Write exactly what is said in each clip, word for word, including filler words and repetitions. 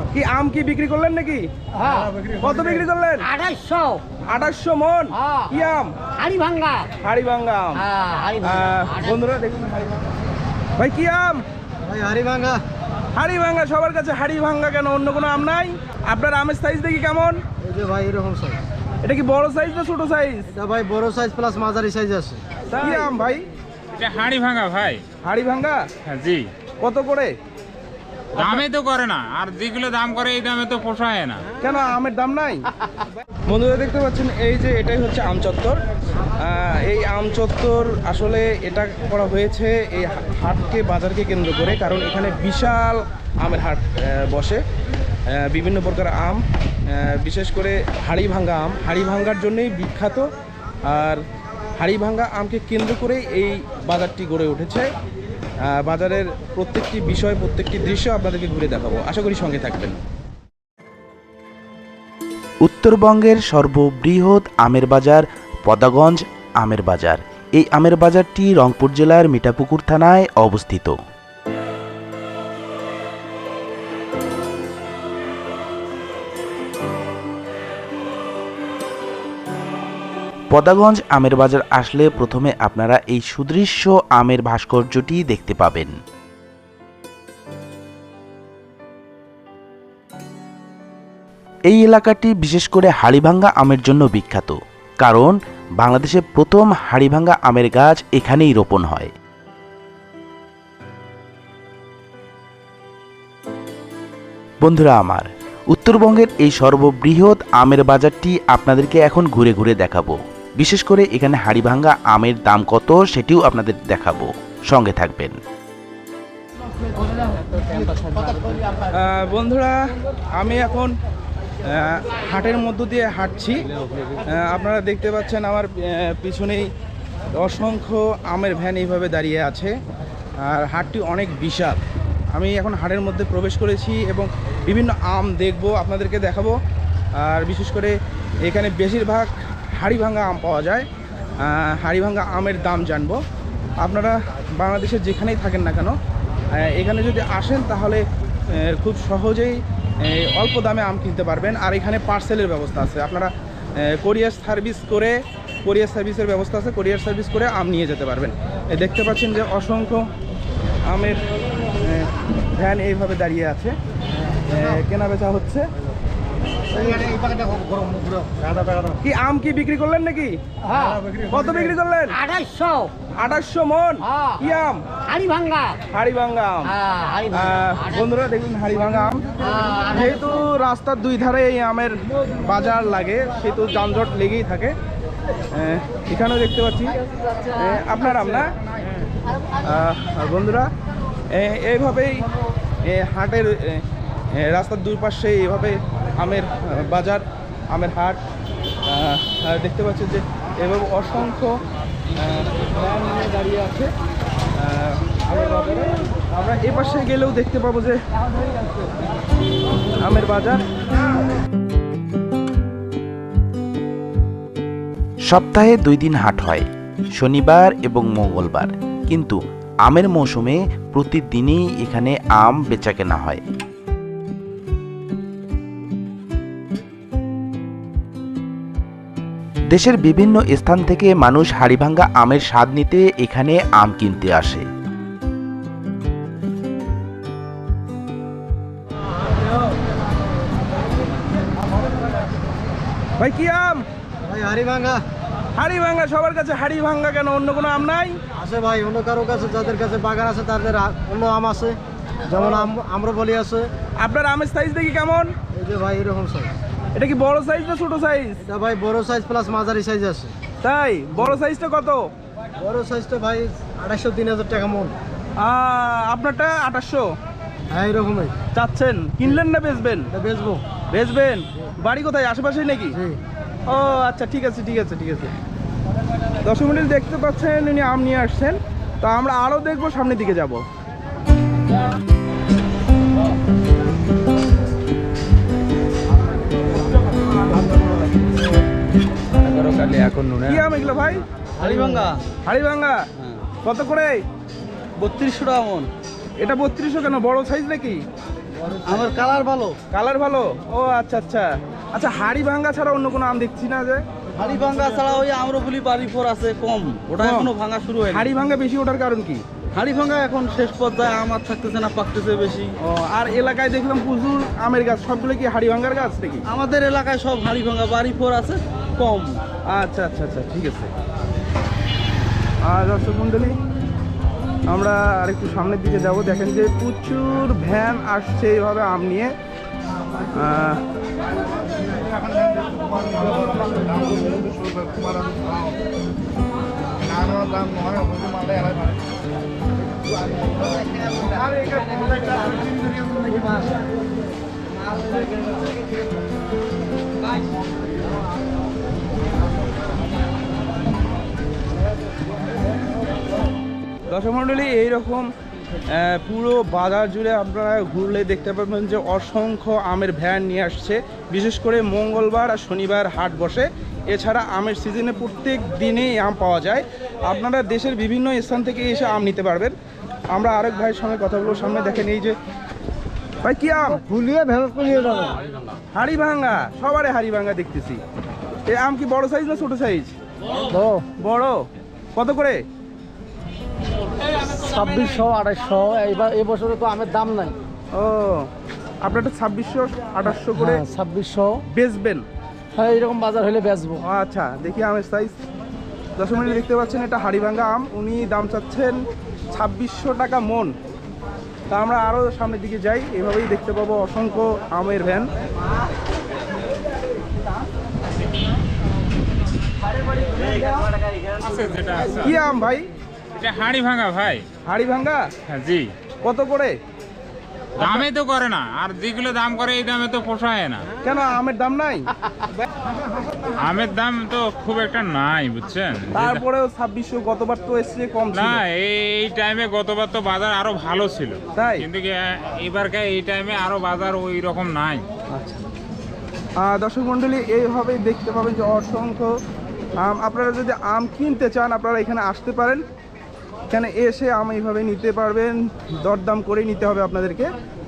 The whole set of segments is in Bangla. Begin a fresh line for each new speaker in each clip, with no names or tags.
কি আম কি বিক্রি করলেন নাকি? কত বিক্রি করলেন?
আড়াইশো
আঠাশশো মন। কি আম?
হাড়ি ভাঙ্গা।
হাড়ি ভাঙ্গা আম। আহ, বন্ধুরা দেখুন ভাই কি আম?
ভাই হাড়ি ভাঙ্গা।
হাড়ি ভাঙ্গা, সবার কাছে হাড়ি ভাঙ্গা কেন, অন্য কোনো আম নাই? আপনার আমের সাইজ দেখি কেমন?
এই যে ভাই এরকম সাইজ।
এটা কি বড় সাইজ না ছোট সাইজ?
এটা ভাই বড় সাইজ প্লাস মাঝারি সাইজ আছে।
কি আম ভাই?
এটা হাড়ি ভাঙা ভাই।
হাড়ি ভাঙ্গা?
হ্যাঁ জি।
কত করে?
দামে তো করে না, আর যেগুলো দাম করে এই দামে তো পোষায় না।
কেন আমের দাম নাই? বন্ধুরা দেখতে পাচ্ছেন এই যে এটাই হচ্ছে আম চত্বর। আহ, এই আম চত্বর আসলে এটা করা হয়েছে এই হাটকে বাজারকে কেন্দ্র করে, কারণ এখানে বিশাল আমের হাট আহ, বসে। আহ, বিভিন্ন প্রকার আম, আহ, বিশেষ করে হাড়ি ভাঙ্গা আম হাড়ি ভাঙ্গার জন্যই বিখ্যাত। আর হাড়ি ভাঙ্গা আমকে কেন্দ্র করেই এই বাজারটি গড়ে উঠেছে। আহ, বাজারের প্রত্যেকটি বিষয়, প্রত্যেকটি দৃশ্য আপনাদেরকে ঘুরে দেখাবো, আশা করি সঙ্গে থাকবেন।
উত্তরবঙ্গের সর্ববৃহৎ আমের বাজার পদাগঞ্জ আমের বাজার। এই আমের বাজারটি রংপুর জেলার মিঠাপুকুর থানায় অবস্থিত। পদাগঞ্জ আমের বাজার আসলে প্রথমে আপনারা এই সুদৃশ্য আমের ভাস্কর্যটি দেখতে পাবেন। এই এলাকাটি বিশেষ করে হাড়িভাঙ্গা আমের জন্য বিখ্যাত, কারণ বাংলাদেশে প্রথম হাড়িভাঙ্গা আমের গাছ এখানেই রোপণ হয়। বন্ধুরা আমার, উত্তরবঙ্গের এই সর্ববৃহৎ আমের বাজারটি আপনাদেরকে এখন ঘুরে ঘুরে দেখাবো। বিশেষ করে এখানে হাড়িভাঙ্গা আমের দাম কত সেটিও আপনাদের দেখাবো, সঙ্গে থাকবেন।
আহ, বন্ধুরা আমি এখন আহ, হাটের মধ্য দিয়ে হাঁটছি। আহ, আপনারা দেখতে পাচ্ছেন আমার আহ, পিছনেই অসংখ্য আমের ভ্যান এইভাবে দাঁড়িয়ে আছে। আর হাটটি অনেক বিশাল। আমি এখন হাটের মধ্যে প্রবেশ করেছি এবং বিভিন্ন আম দেখব, আপনাদেরকে দেখাবো। আর বিশেষ করে এখানে বেশিরভাগ হাড়িভাঙ্গা আম পাওয়া যায়। আহ, হাড়িভাঙ্গা আমের দাম জানবো। আপনারা বাংলাদেশের যেখানেই থাকেন না কেন, এখানে যদি আসেন তাহলে খুব সহজেই অল্প দামে আম কিনতে পারবেন। আর এখানে পার্সেলের ব্যবস্থা আছে, আপনারা কোরিয়ার সার্ভিস করে কোরিয়ার সার্ভিসের ব্যবস্থা আছে, কোরিয়ার সার্ভিস করে আম নিয়ে যেতে পারবেন। দেখতে পাচ্ছেন যে অসংখ্য আমের ভ্যান এইভাবে দাঁড়িয়ে আছে, কেনা বেচা হচ্ছে। কি আম কি বিক্রি করলেন নাকি? কত বিক্রি করলেন?
আড়াইশো।
আঠাশশো মন। কি আম?
হাড়ি ভাঙ্গা।
হাড়ি ভাঙ্গা আম। আহ, বন্ধুরা দেখুন হাড়ি ভাঙ্গা আম। যেহেতু রাস্তার দুই ধারে এই আমের বাজার লাগে, সেহেতু যানজট লেগেই থাকে। আহ, এখানেও দেখতে পাচ্ছি আহ, আপনার আম না? আহ, বন্ধুরা আহ, এইভাবেই আহ, হাটের আহ, রাস্তার দুই পাশে এইভাবে আমের বাজার, আমের হাট। আহ, দেখতে পাচ্ছেন যে এভাবে অসংখ্য ভ্যান নিয়ে দাঁড়িয়ে আছে আহ, আমের বাজারে। আমরা এ পাশে গেলেও দেখতে পাবো যে আমের বাজার।
সপ্তাহে দুই দিন হাট হয়, শনিবার এবং মঙ্গলবার, কিন্তু আমের মৌসুমে প্রতিদিনই এখানে আম বেচাকেনা হয়। দেশের বিভিন্ন স্থান থেকে মানুষ হাড়িভাঙ্গা আমের স্বাদ নিতে এখানে আম কিনতে আসে।
ভাই কি আম?
ভাই হাড়ি ভাঙ্গা।
হাড়ি ভাঙ্গা, সবার কাছে হাড়ি ভাঙ্গা কেন, অন্য কোনো আম নাই?
আছে ভাই, অন্য কারো কাছে, যাদের কাছে বাগান আছে তাদের আ- অন্য আম আছে, যেমন আম আম্রপলি আছে।
আপনার আমের সাইজ দেখি কেমন?
এই যে ভাই এরকম সাইজ।
এটা কি বড় সাইজ না ছোট সাইজ?
এটা ভাই বড় সাইজ প্লাস মাঝারি সাইজ আছে।
তাই বড় সাইজটা কত?
বড় সাইজটা ভাই আড়াইশো তিন হাজার টাকা মন।
আহ, আপনারটা আঠাশশো
হ্যাঁ এরকমই।
চাচ্ছেন, কিনলেন না বেচবেন?
এটা বেচবো।
বেচবেন? বাড়ি কোথায়, আশেপাশেই নাকি?
জি।
ও আচ্ছা, ঠিক আছে ঠিক আছে ঠিক আছে। দশ মিনিট দেখতে পাচ্ছেন উনি আম নিয়ে আসছেন, তো আমরা আরও দেখবো, সামনের দিকে যাব। কি আম এগুলো ভাই?
হাড়ি ভাঙ্গা।
হাড়ি ভাঙ্গা কত করে?
বত্রিশশো টাকা মন।
এটা বত্রিশশো কেন, বড় সাইজ নাকি?
আমার কালার ভালো।
কালার ভালো, ও আচ্ছা আচ্ছা আচ্ছা। হাড়ি ভাঙ্গা ছাড়া অন্য কোনো আম দেখছি না যে?
হাড়ি ভাঙ্গা ছাড়া ওই আম্রফুলি বাড়ি ফোর আছে কম, ওটা
কম?
এখনো ভাঙা শুরু হয়নি।
হাড়ি ভাঙ্গা বেশি ওঠার কারণ কি?
হাড়ি ভাঙ্গা এখন শেষ পর্যায়ে আম আর থাকতেছে না, পাকতেছে বেশি।
ও, আর এলাকায় দেখলাম প্রচুর আমের গাছ, সবগুলো কি হাড়ি ভাঙ্গার গাছ নাকি?
আমাদের এলাকায় সব হাড়ি ভাঙ্গা, বাড়ি ফোর আছে কম।
আচ্ছা আচ্ছা আচ্ছা, ঠিক আছে। আর দর্শক মণ্ডলী, আমরা আরেকটু সামনের দিকে যাব। দেখেন যে প্রচুর ভ্যান আসছে এইভাবে আম নিয়ে। আহ, দর্শক মণ্ডলী, এইরকম আহ, পুরো বাজার জুড়ে আপনারা ঘুরলে দেখতে পাবেন যে অসংখ্য আমের ভ্যান নিয়ে আসছে। বিশেষ করে মঙ্গলবার আর শনিবার হাট বসে। এছাড়া আমের সিজনে প্রত্যেক দিনেই আম পাওয়া যায়। আপনারা দেশের বিভিন্ন স্থান থেকে এসে আম নিতে পারবেন। আমরা আরেক ভাইয়ের সঙ্গে কথা বলবো। সামনে দেখেন এই যে ভাই, কি আম?
ফুলিয়ে ভেঙে ফুলিয়ে যাবে।
হাড়ি ভাঙ্গা, সবারই হাড়ি ভাঙ্গা দেখতেছি। এই আম কি বড় সাইজ না ছোট সাইজ? বড়। কত করে?
ছাব্বিশশো আঠাশশো। এইবার এবছরে তো আমের দাম নাই।
ও, আপনারটা ছাব্বিশশো আঠাশশো করে
ছাব্বিশশো
বেচবেন?
হ্যাঁ, এরকম বাজার হলে বেচবো।
ও আচ্ছা, দেখি আমের সাইজ। দশ মিনিট দেখতে পাচ্ছেন, এটা হাড়িভাঙ্গা আম। উনি দাম চাচ্ছেন ছাব্বিশশো টাকা মন। তা আমরা আরও সামনের দিকে যাই, এভাবেই দেখতে পাবো অসংখ্য আমের ভ্যান।
আছে যেটা আছে।
কি আম ভাই?
এটা হাড়ি ভাঙা ভাই।
হাড়িভাঙ্গা
হ্যাঁ জি।
কত করে?
দামে তো করে না, আর যেগুলো দাম করে এই দামে তো পোষায় না।
কেন, আমের দাম নাই?
আমের দাম তো খুব একটা নাই, বুঝছেন?
তারপরেও ছাব্বিশশো, গতবার তো এসছে কম ছিল।
না, এই টাইমে গতবার তো বাজার আরো ভালো ছিল,
তাই?
কিন্তু কি, এবারকার এই টাইমে আরো বাজার ওই রকম নাই।
আচ্ছা, আহ, দর্শক মণ্ডলী, এইভাবেই দেখতে পাবেন যে অসংখ্য আম। আপনারা যদি আম কিনতে চান, আপনারা এখানে আসতে পারেন। এখানে এসে আম এইভাবে নিতে পারবেন, দরদাম করে নিতে হবে আপনাদেরকে।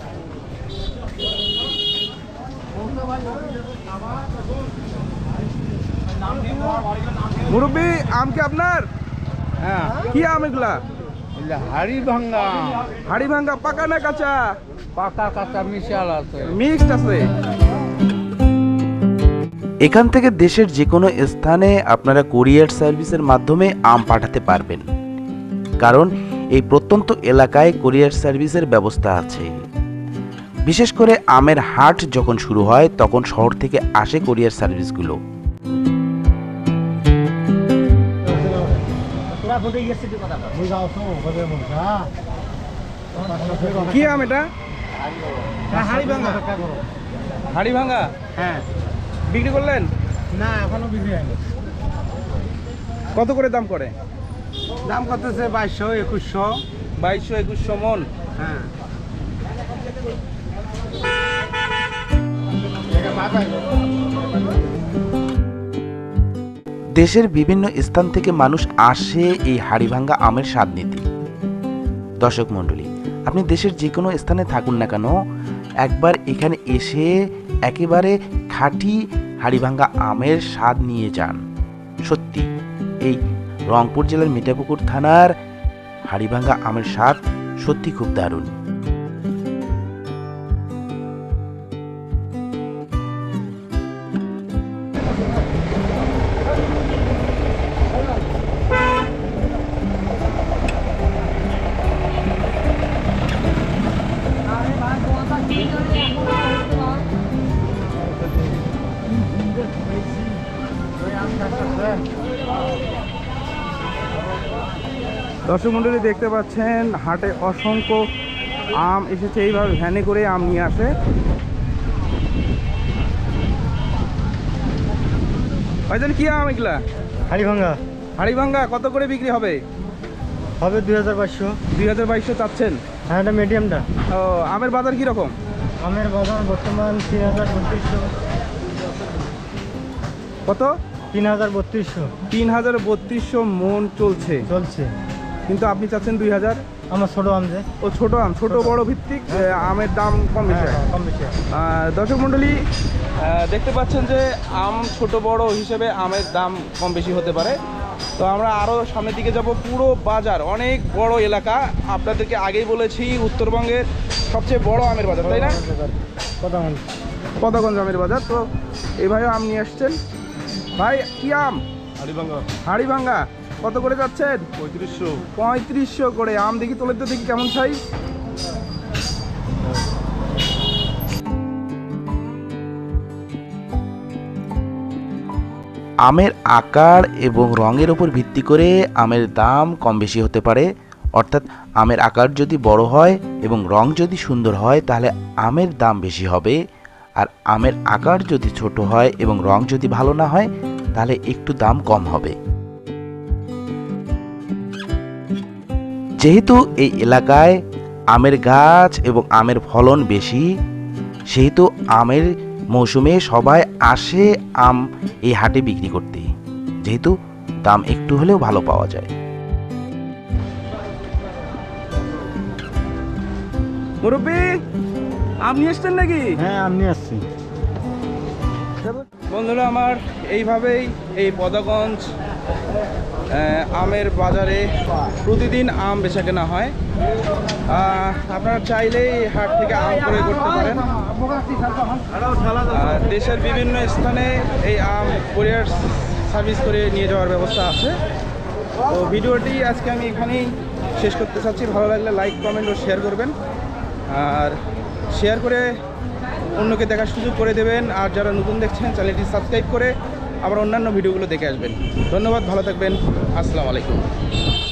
মুরব্বী, আম কি আপনার?
হ্যাঁ,
কি আম এগুলা?
হাড়ি ভাঙ্গা।
হাড়ি ভাঙ্গা, পাকা না কাঁচা?
পাকা কাঁচা মিশাল আছে।
মিক্সড আছে।
এখান থেকে দেশের যে কোনো স্থানে আপনারা কুরিয়ার সার্ভিসের মাধ্যমে আম পাঠাতে পারবেন, কারণ এই প্রত্যন্ত এলাকায় কুরিয়ার সার্ভিসের ব্যবস্থা আছে। বিশেষ করে আমের হাট যখন শুরু হয়, তখন শহর থেকে আসে কুরিয়ার সার্ভিসগুলো।
কি আম এটা? হাড়ি ভাঙ্গা। হাড়ি ভাঙ্গা,
হ্যাঁ।
বিক্রি করলেন?
না, এখনো বিক্রি হয়নি।
কত করে দাম করে?
দাম করতেছে বাইশশো একুশশো।
বাইশশো একুশশো মন।
হ্যাঁ।
দেশের বিভিন্ন স্থান থেকে মানুষ আসে এই হাড়িভাঙ্গা আমের স্বাদ নিতে। দর্শক মণ্ডলী, আপনি দেশের যে কোনো স্থানে থাকুন না কেন, একবার এখানে এসে একেবারে খাঁটি হাড়িভাঙ্গা আমের স্বাদ নিয়ে যান। সত্যি, এই রংপুর জেলার মিঠাপুকুর থানার হাড়িভাঙ্গা আমের স্বাদ সত্যি খুব দারুণ।
দর্শক মণ্ডলী, দেখতে পাচ্ছেন হাটে অসংখ্য আম এসেছে। এইভাবে ভ্যানে করে আম নিয়ে আসে। ভাইজান, কি আম এগুলা?
হাড়ি ভাঙ্গা।
হাড়ি ভাঙ্গা কত করে বিক্রি হবে?
হবে দুই হাজার বাইশশো।
দুই হাজার বাইশশো চাচ্ছেন?
হ্যাঁ, এটা মিডিয়ামটা।
ও, আমের বাজার কীরকম?
আমের বাজার বর্তমান তিন হাজার বত্রিশশো।
কত?
তিন হাজার বত্রিশশো
তিন হাজার বত্রিশশো মন চলছে,
চলছে।
কিন্তু আপনি চাচ্ছেন দুই হাজার?
আমার ছোট আম যে
ও ছোট আম, ছোট বড় ভিত্তিক আহ, আমের দাম কম বেশি হয়।
কম বেশি হয়।
আহ, দর্শক মণ্ডলী, আহ, দেখতে পাচ্ছেন যে আম ছোট বড় হিসেবে আমের দাম কম বেশি হতে পারে। তো আমরা আরও সামনের দিকে যাব। পুরো বাজার অনেক বড় এলাকা, আপনাদেরকে আগেই বলেছি উত্তরবঙ্গের সবচেয়ে বড় আমের বাজার, তাই না?
কথা বল।
পদাগঞ্জ আমের বাজার। তো এই ভাইও আম নিয়ে আসছেন। ভাই কি আম?
হাড়িভাঙ্গা
হাড়িভাঙ্গা কত করে যাচ্ছেন?
পঁয়ত্রিশশো।
পঁয়ত্রিশশো করে। আম দেখি তোলে তো, দেখি কেমন সাইজ।
আমের আকার এবং রঙের উপর ভিত্তি করে আমের দাম কম বেশি হতে পারে। অর্থাৎ আমের আকার যদি বড় হয় এবং রং যদি সুন্দর হয় তাহলে আমের দাম বেশি হবে, আর আমের আকার যদি ছোট হয় এবং রং যদি ভালো না হয় তাহলে একটু দাম কম হবে। যেহেতু এই এলাকায় আমের গাছ এবং আমের ফলন বেশি, সেহেতু আমের মৌসুমে সবাই আসে আম এই হাটে বিক্রি করতে, যেহেতু দাম একটু হলেও ভালো পাওয়া যায়।
মুরব্বী, আম নিয়ে এসছেন নাকি?
হ্যাঁ আমি আসছি।
বন্ধুরা আমার, এইভাবেই এই পদাগঞ্জ আহ, আমের বাজারে প্রতিদিন আম বেচা কেনা হয়। আহ, আপনারা চাইলেই এই হাট থেকে আম ক্রয় করতে পারেন। আর দেশের বিভিন্ন স্থানে এই আম কুরিয়ার সার্ভিস করে নিয়ে যাওয়ার ব্যবস্থা আছে। তো ভিডিওটি আজকে আমি এখানেই শেষ করতে চাচ্ছি। ভালো লাগলে লাইক, কমেন্ট ও শেয়ার করবেন, আর শেয়ার করে অন্যকে দেখার সুযোগ করে দেবেন। আর যারা নতুন দেখছেন চ্যানেলটি সাবস্ক্রাইব করে আবার অন্যান্য ভিডিওগুলো দেখে আসবেন। ধন্যবাদ, ভালো থাকবেন, আসসালামু আলাইকুম।